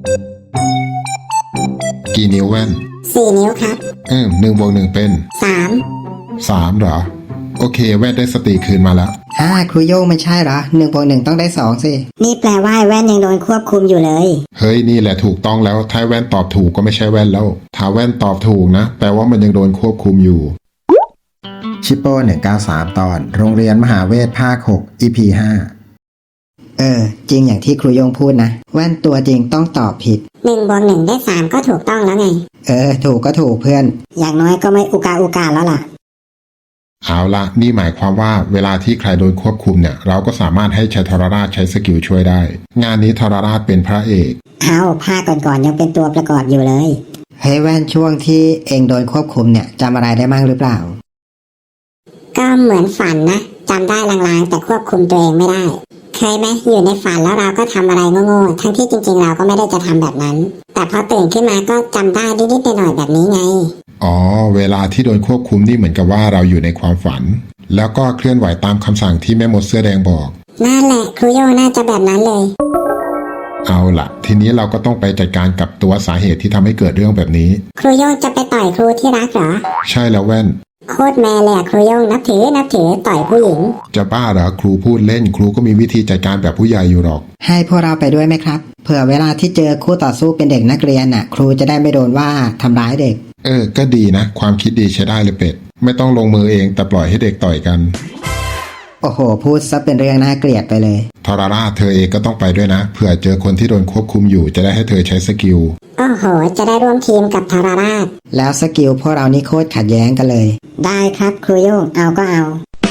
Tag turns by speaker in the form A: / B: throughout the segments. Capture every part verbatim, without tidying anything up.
A: กี่นิ้วแว่น
B: สี่นิ้วครับ
A: เออหนึ่งบวกหนึ่งเป็น
B: สาม
A: สามเหรอโอเคแว่นได้สติคืนมาแล้ว
C: อ่าครูโย่งไม่ใช่เหรอหนึ่งบวกหนึ่งต้องได้สองสิ
B: นี่แปลว่าแว่นยังโดนควบคุมอยู่เลย
A: เฮ้ยนี่แหละถูกต้องแล้วถ้าแว่นตอบถูกก็ไม่ใช่แว่นแล้วถ้าแว่นตอบถูกนะแปลว่ามันยังโดนควบคุมอยู่
D: ชิปโป้หนึ่งเก้าสามตอนโรงเรียนมหาเวทภาคหก อี พี ห้า
C: เออจริงอย่างที่ครูโย่งพูดนะแว่นตัวจริงต้องตอบผิด
B: หนึ่งบวกหนึ่งได้สามก็ถูกต้องแล้วไง
C: เออถูกก็ถูกเพื่อน
B: อย่างน้อยก็ไม่อุกาอุกาแล้วล่ะ
A: เอาละนี่หมายความว่าเวลาที่ใครโดนควบคุมเนี่ยเราก็สามารถให้ใช้ทรราชใช้สกิลช่วยได้งานนี้ทรราชเป็นพระเอก
B: เอาภาคก่อนๆยังเป็นตัวประกอบอยู่เลย
C: เฮ้ยแว่นช่วงที่เองโดนควบคุมเนี่ยจำอะไรได้บ้างหรือเปล่า
B: ก็เหมือนฝันนะจำได้ลางๆแต่ควบคุมตัวเองไม่ได้เคยไหมอยู่ในฝันแล้วเราก็ทำอะไรโง่ๆทั้งที่จริงๆเราก็ไม่ได้จะทำแบบนั้นแต่พอตื่นขึ้นมาก็จำได้นิดๆหน่อยๆแบบนี้ไง
A: อ๋อเวลาที่โดนควบคุมนี่เหมือนกับว่าเราอยู่ในความฝันแล้วก็เคลื่อนไหวตามคำสั่งที่แม่มดเสื้อแดงบอก
B: นั่นแหละครูโยน่าจะแบบนั้นเลย
A: เอาล่ะทีนี้เราก็ต้องไปจัดการกับตัวสาเหตุที่ทำให้เกิดเรื่องแบบนี้
B: ครูโยจะไปต่อยครูที่รักเหรอ
A: ใช่แล้วแว่น
B: โคตรแม่เลยครูโยนับถือนับถือต่อยผู้หญิง
A: จะบ้าเหรอครูพูดเล่นครูก็มีวิธีจัดการแบบผู้ใหญ่อยู่หรอก
C: ให้พวกเราไปด้วยไหมครับเผื่อเวลาที่เจอคู่ต่อสู้เป็นเด็กนักเรียนน่ะครูจะได้ไม่โดนว่าทำร้ายเด็ก
A: เออก็ดีนะความคิดดีใช้ได้เลยเป็ดไม่ต้องลงมือเองแต่ปล่อยให้เด็กต่อยกัน
C: โอ้โหพูดซะเป็นเรื่องน่าเกลียดไปเลย
A: ทรราชเธอเองก็ต้องไปด้วยนะเผื่อเจอคนที่โดนควบคุมอยู่จะได้ให้เธอใช้สกิล
B: โอ้โหจะได้ร่วมทีมกับทรราช
C: แล้วสกิลพวกเรานี่โคตรขัดแย้งกันเลย
B: ได้ครับครูโยงเอาก็เอา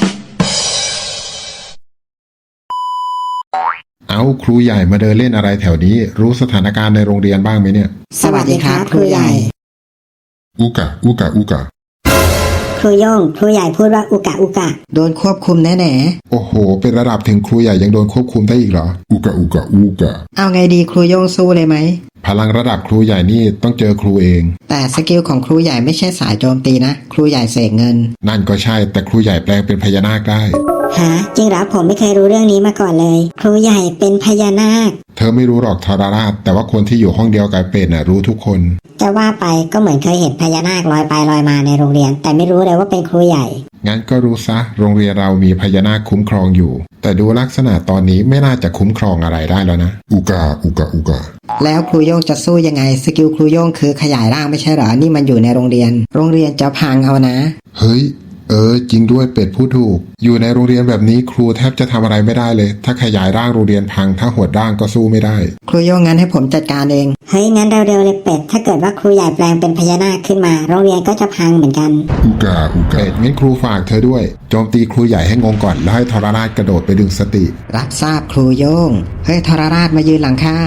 A: เอาครูใหญ่มาเดินเล่นอะไรแถวนี้รู้สถานการณ์ในโรงเรียนบ้างไหมเนี่ย
C: สวัสดีครับครูใหญ่
A: อุกะอุกะอุกะ
B: ครูโยงครูใหญ่พูดว่าอุกะอุกะ
C: โดนควบคุมแน่แน่
A: โอ้โหเป็นระดับถึงครูใหญ่ยังโดนควบคุมได้อีกเหรออุกะอุกะอุกะ
C: เอาไงดีครูโยงสู้เลยไหม
A: พลังระดับครูใหญ่นี่ต้องเจอครูเอง
C: แต่สกิลของครูใหญ่ไม่ใช่สายโจมตีนะครูใหญ่เสกเงิน
A: นั่นก็ใช่แต่ครูใหญ่แปลงเป็นพญานาคได้
B: ฮะจริงเหรอผมไม่เคยรู้เรื่องนี้มาก่อนเลยครูใหญ่เป็นพญานาค
A: เธอไม่รู้หรอกทรราชแต่ว่าคนที่อยู่ห้องเดียวกับเป็ดน่ะรู้ทุกคน
B: จะว่าไปก็เหมือนเคยเห็นพญานาคลอยไปลอยมาในโรงเรียนแต่ไม่รู้เลยว่าเป็นครูใหญ่
A: งั้นก็รู้ซะโรงเรียนเรามีพญานาคคุ้มครองอยู่แต่ดูลักษณะตอนนี้ไม่น่าจะคุ้มครองอะไรได้แล้วนะอุกาอุกาอุกา
C: แล้วครูโย่งจะสู้ยังไงสกิลครูโย่งคือขยายร่างไม่ใช่เหรอนี่มันอยู่ในโรงเรียนโรงเรียนจะพังเอานะ
A: เฮ้ยเออจริงด้วยเป็ดพูดถูกอยู่ในโรงเรียนแบบนี้ครูแทบจะทำอะไรไม่ได้เลยถ้าขยายร่างโรงเรียนพังถ้าหดร่างก็สู้ไม่ได้
C: ครูโย่งงั้นให้ผมจัดการเอง
B: เฮ้ยงั้นเร็วๆเลยเป็ดถ้าเกิดว่าครูใหญ่แปลงเป็นพญานาคขึ้นมาโรงเรียนก็จะพังเหมือนกัน
A: อุกาอุกาเป็ดงั้นครูฝากเธอด้วยโจมตีครูใหญ่ให้งงก่อนแล้วให้ทรราชกระโดดไปดึงสติ
C: รับทราบครูโย่งเฮ้ยทรราชมายืนหลังข้า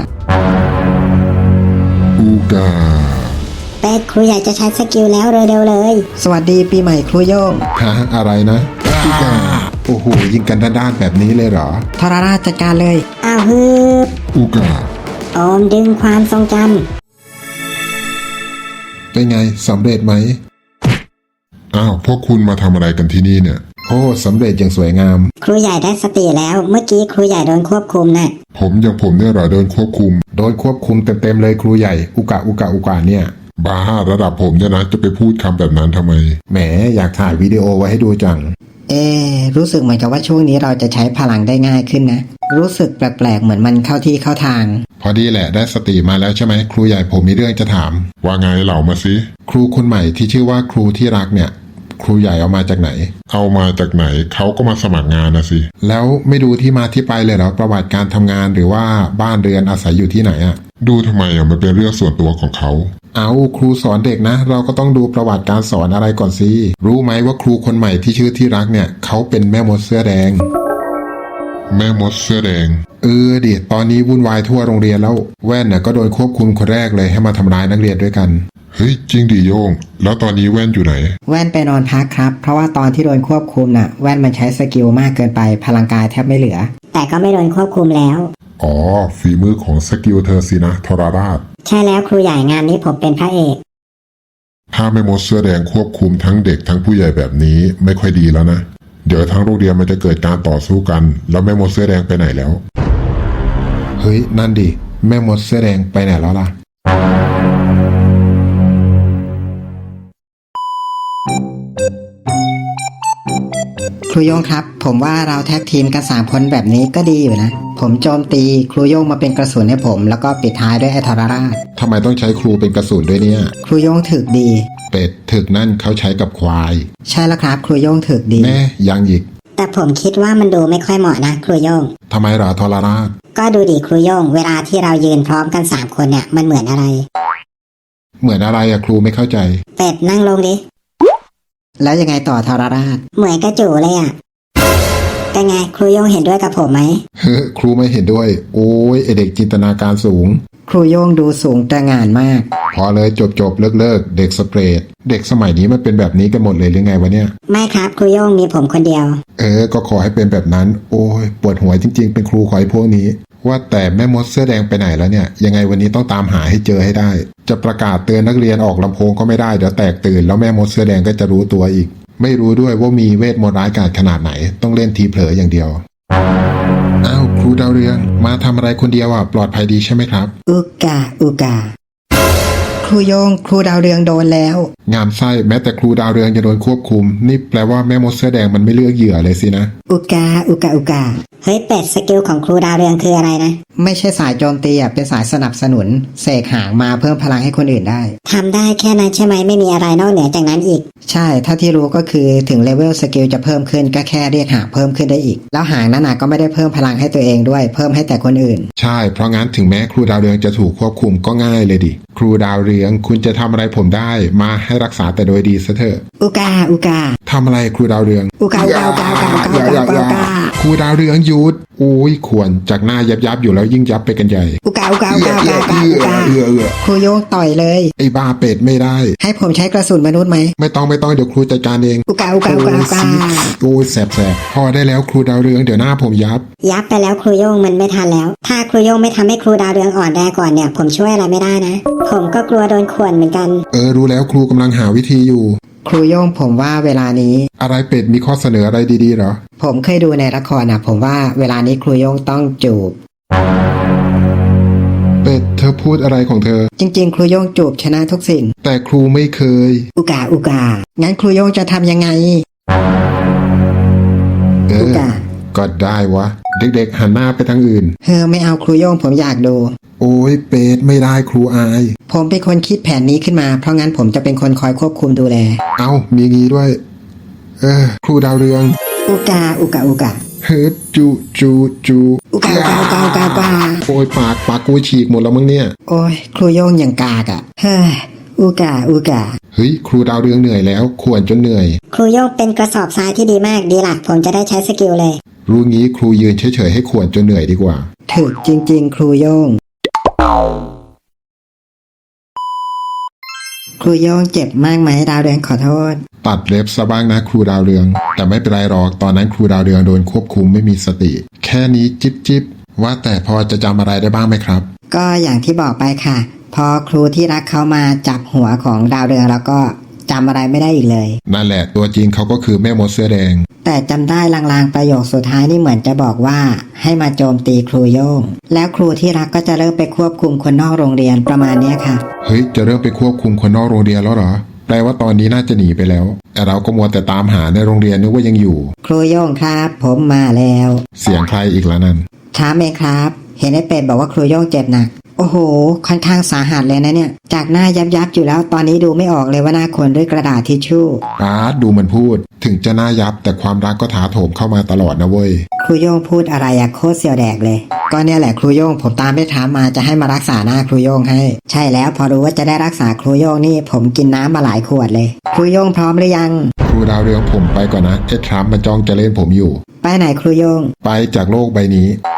A: อุกา
B: เป็ดครูใหญ่จะใช้สกิลแล้วเร็วๆเลย
C: สวัสดีปีใหม่ครูโย่ง
A: ฮะอะไรนะอุกาโอ้โหยิงกันด้านๆแบบนี้เลยเหรอ
C: ทรราชจัดการเลย
B: อ้าวฮึบ
A: อุกา
B: โอมดึงความทรงจ
A: ำเป็นไงสำเร็จไหมอ้าวพวกคุณมาทำอะไรกันที่นี่เนี่ยโอ้สำเร็จอย่างสวยงาม
B: ครูใหญ่ได้สติแล้วเมื่อกี้ครูใหญ่โดนควบคุมนะ่ะ
A: ผมอย่างผมเนี่ยเหรอโดนควบคุมโดนควบคุมเต็มๆเลยครูใหญ่อุกะอุกะอุกะเนี่ยบ้าระดับผมเนี่ยนะจะไปพูดคำแบบนั้นทำไมแหมอยากถ่ายวิดีโอไว้ให้ดูจัง
C: เอรู้สึกเหมือนกับว่าช่วงนี้เราจะใช้พลังได้ง่ายขึ้นนะรู้สึกแปลกๆเหมือนมันเข้าที่เข้าทาง
A: พอดีแหละได้สติมาแล้วใช่ไหมครูใหญ่ผมมีเรื่องจะถามว่าไงเหล่ามาสิครูคนใหม่ที่ชื่อว่าครูที่รักเนี่ยครูใหญ่เอามาจากไหนเอามาจากไหนเขาก็มาสมัครงานนะสิแล้วไม่ดูที่มาที่ไปเลยเหรอประวัติการทำงานหรือว่าบ้านเรือนอาศัยอยู่ที่ไหนอะดูทำไมอ่ะมันเป็นเรื่องส่วนตัวของเขาเอาครูสอนเด็กนะเราก็ต้องดูประวัติการสอนอะไรก่อนสิรู้ไหมว่าครูคนใหม่ที่ชื่อที่รักเนี่ยเขาเป็นแม่มดเสื้อแดงแม่มดเสื้อแดงเออดิตอนนี้วุ่นวายทั่วโรงเรียนแล้วแว่นน่ะก็โดนควบคุมคนแรกเลยให้มาทำร้ายนักเรียนด้วยกันเฮ้ยจริงดิโยงแล้วตอนนี้แว่นอยู่ไหน
C: แว่นไปนอนพักครับเพราะว่าตอนที่โดนควบคุมน่ะแว่นมันใช้สกิลมากเกินไปพลังกายแทบไม่เหลือ
B: แต่ก็ไม่โดนควบคุมแล้ว
A: อ๋อฝีมือของสกิลเธอสินะทรราช
B: ใช่แล้วครูใหญ่งานนี้ผมเป็นพระเอก
A: ถ้าแม่มดเสื้อแดงควบคุมทั้งเด็กทั้งผู้ใหญ่แบบนี้ไม่ค่อยดีแล้วนะเดี๋ยวทั้งโรงเรียนมันจะเกิดการต่อสู้กันแล้วแม่มดเสื้อแดงไปไหนแล้วเฮ้ยนั่นดิแม่มดเสื้อแดงไปไหนแล้วล่ะ
C: ครูโยงครับ ผมว่าเราแท็กทีมกันสามคนแบบนี้ก็ดีอยู่นะ ผมโจมตีครูโยงมาเป็นกระสุนให้ผม แล้วก็ปิดท้ายด้วยไอ้ทรราช
A: ทำไมต้องใช้ครูเป็นกระสุนด้วยเนี่ย
C: ครูโยงถึกดี
A: เป็ดถึกนั่นเขาใช้กับควาย
C: ใช่แล้วครับครูโยงถึกดี
A: แน่ยังอีก
B: แต่ผมคิดว่ามันดูไม่ค่อยเหมาะนะครูโยง
A: ทำไมเหรอทรราช
B: ก็ดูดิครูโยง เวลาที่เรายืนพร้อมกันสามคนเนี่ยมันเหมือนอะไร
A: เหมือนอะไรอะครูไม่เข้าใจ
B: เป็ดนั่งลงดิ
C: แล้วยังไงต่อทรราช
B: เหมือนกระจูเลยอ่ะเป็นไงครูโยงเห็นด้วยกับผมไหม
A: เฮ้อครูไม่เห็นด้วย โอ้ยไอเด็กจินตนาการสูง
C: ครูโยงดูสูงตระหง่านมาก
A: พอเลยจบจบเลิกเลิกเด็กสเปรด เด็กสมัยนี้มันเป็นแบบนี้กันหมดเลยหรือไงวะเนี่ย
B: ไม่ครับครูโยงมีผมคนเดียว
A: เออ ก็ขอให้เป็นแบบนั้น โอ้ยปวดหัวจริงๆ เป็นครูขอให้พวกนี้ ว่าแต่แม่มดเสื้อแดงไปไหนแล้วเนี่ย ยังไงวันนี้ต้องตามหาให้เจอให้ได้ จะประกาศเตือนนักเรียนออกลำโพงก็ไม่ได้เดี๋ยวแตกตื่นแล้วแม่มดเสื้อแดงก็จะรู้ตัวอีก ไม่รู้ด้วยว่ามีเวทมนต์ร้ายกาจขนาดไหน ต้องเล่นทีเผลออย่างเดียว อ้าวครูดาวเรือง มาทำอะไรคนเดียวอ่ะปลอดภัยดีใช่ไหมครับ
C: อุกาอุกา ครูโยงครูดาวเรืองโดนแล้ว
A: งามไส้แม้แต่ครูดาวเรืองจะโดนควบคุม นี่แปลว่าแม่มดเสื้อแดงมันไม่เลือกเหยื่อเลยสินะ
C: อุกาอุกาอุกา
B: เฮ้ยเป็ดสกิลของครูดาวเรืองคืออะไรนะ
C: ไม่ใช่สายโจมตีอ่ะเป็นสายสนับสนุนเสกหางมาเพิ่มพลังให้คนอื่นได้
B: ทำได้แค่นั้นใช่ไหมไม่มีอะไรนอกเหนือจากนั้นอีก
C: ใช่ถ้าที่รู้ก็คือถึงเลเวลสกิลจะเพิ่มขึ้นก็แค่เรียกหางเพิ่มขึ้นได้อีก แล้วหางนั้นน่ะก็ไม่ได้เพิ่มพลังให้ตัวเองด้วยเพิ่มให้แต่คนอื่น
A: ใช่เพราะงั้นถึงแม้ครูดาวเรืองจะถูกควบคุมก็ง่ายเลยดิครูดาวเรืองคุณจะทำอะไรผมได้มาให้รักษาแต่โดยดีซะเถอะ
C: อุกาอุกา
A: ทำอะไรครูดาวเรือง
C: อุกาอุกาอุกาอุกาอุกาอุกาอุกา
A: ครูดาวเรืองหยุดโอ้ยควรจากหน้ายับยับอยู่แล้วยิ่งยับไปกันใหญ่
C: อุกาอุกาอุกาอุกาอุกาอุกา
A: เอือเอือ
C: ครูโยงต่อยเลย
A: ไอ้บ้าเป็ดไม่ได้
C: ให้ผมใช้กระสุนมนุษย์ไหม
A: ไม่ต้องไม่ต้องเดี๋ยวครูจัดการเอง
C: อุกาอุกาอุกาอุกา
A: โอ้ยแสบแสบพอได้แล้วครูดาวเรืองเดี๋ยวหน้าผมยับ
B: ยับไปแล้วครูโยงมันไม่ทันแล้ว ถ้าครูโยงไม่ทำให้ครูดาวเรืองอ่อนแรงก่อนเนี่ยผมช่วยอะไรไม่ได้นะ ผมก็กลัวโดนข่วนเหมือนกัน
A: เออรู้แล้วครูกำลังหาวิธีอยู่
C: ครูโยงผมว่าเวลานี้
A: อะไรเป็ดมีข้อเสนออะไรดีๆเหรอ
C: ผมเคยดูในละครนะผมว่าเวลานี้ครูโยงต้องจูบ
A: เป็ดเธอพูดอะไรของเธอ
C: จริง ๆ ครูโยงจูบชนะทุกสิ่ง
A: แต่ครูไม่เคย
C: อุกาอุกา งั้นครูโยงจะทำยังไง
A: เอ
C: อุ
A: อ
C: กา
A: ก็ได้วะ เด็กๆหันหน้าไปทางอื่น
C: เฮ้อไม่เอาครูโยงผมอยากดู
A: โอ้ยเป็ดไม่ได้ครูอาย
C: ผมเป็นคนคิดแผนนี้ขึ้นมา เพราะงั้นผมจะเป็นคนคอยควบคุมดูแล
A: เอ้ามีงี้ด้วย เออ ครูดาวเรือง
C: อุกาอุกาอุกา
A: เฮ้ยจูจูจู
C: อุกาอุกาอุกาอุกาอุกา
A: โอ้ยปากปากกูฉีกหมดแล้วมั้งเนี่ย
C: โอ้ยครูโยงอย่างกากอะ่ะเฮ้ยอุกาอุกา
A: เฮ้ยครูดาวเรืองเหนื่อยแล้วขวนจนเหนื่อย
B: ครูโยงเป็นกระสอบทรายที่ดีมากดีละผมจะได้ใช้สกิลเลย
A: รู้งี้ครูยืนเฉยๆให้ขวนจนเหนื่อยดีกว่า
C: ถึกจริง ๆ ครูโยง ครูโยงเจ็บมากไหมดาวเรืองขอโทษ
A: ตัดเล็บซะบ้างนะครูดาวเรือง แต่ไม่เป็นไรหรอกตอนนั้นครูดาวเรืองโดนควบคุมไม่มีสติ แค่นี้จิบจิบว่าแต่พอจะจำอะไรได้บ้างไหมครับ
C: ก็อย่างที่บอกไปค่ะ พอครูที่รักเขามาจับหัวของดาวเรืองแล้วก็จำอะไรไม่ได้อีกเลย
A: นั่นแหละตัวจริงเขาก็คือแม่มดเสื้อแดง
C: แต่จำได้ลางๆประโยคสุดท้ายนี่เหมือนจะบอกว่าให้มาโจมตีครูโยง แล้วครูที่รักก็จะเริ่มไปควบคุมคนนอกโรงเรียนประมาณเนี้ยค่ะ
A: เฮ้ยจะเริ่มไปควบคุมคนนอกโรงเรียนแล้วเหรอแปลว่าตอนนี้น่าจะหนีไปแล้วแต่เราก็มัวแต่ตามหาในโรงเรียนนึกว่ายังอยู่
C: ครูโยงครับ ผมมาแล้ว
A: เสียงใครอีกแล้วนั่น
C: ช้าเองครับ เห็นไอ้เป็ดบอกว่าครูโยงเจ็บหนัก โอ้โห ค่อนข้างสาหัสเลยนะเนี่ย จากหน้ายับยับๆอยู่แล้วตอนนี้ดูไม่ออกเลยว่าหน้าคนด้วยกระดาษทิชชู่
A: อาร์ตดูมันพูด ถึงจะหน้ายับแต่ความรักก็ถาโถมเข้ามาตลอดนะเว้ย
C: ครูโยงพูดอะไรอะโคตรเสียวแดกเลย ก็เนี่ยแหละครูโยงผมตามไปถามมาจะให้มารักษาหน้าครูโยงให้ ใช่แล้วพอรู้ว่าจะได้รักษาครูโยงนี่ผมกินน้ำมาหลายขวดเลย ครูโยงพร้อมหรือยัง
A: ครูดาวเรืองผมไปก่อนนะเอ็ดทรัมป์มันจ้องจะเล่นผมอยู่
C: ไปไหนครูโยง
A: ไปจากโลกใบนี้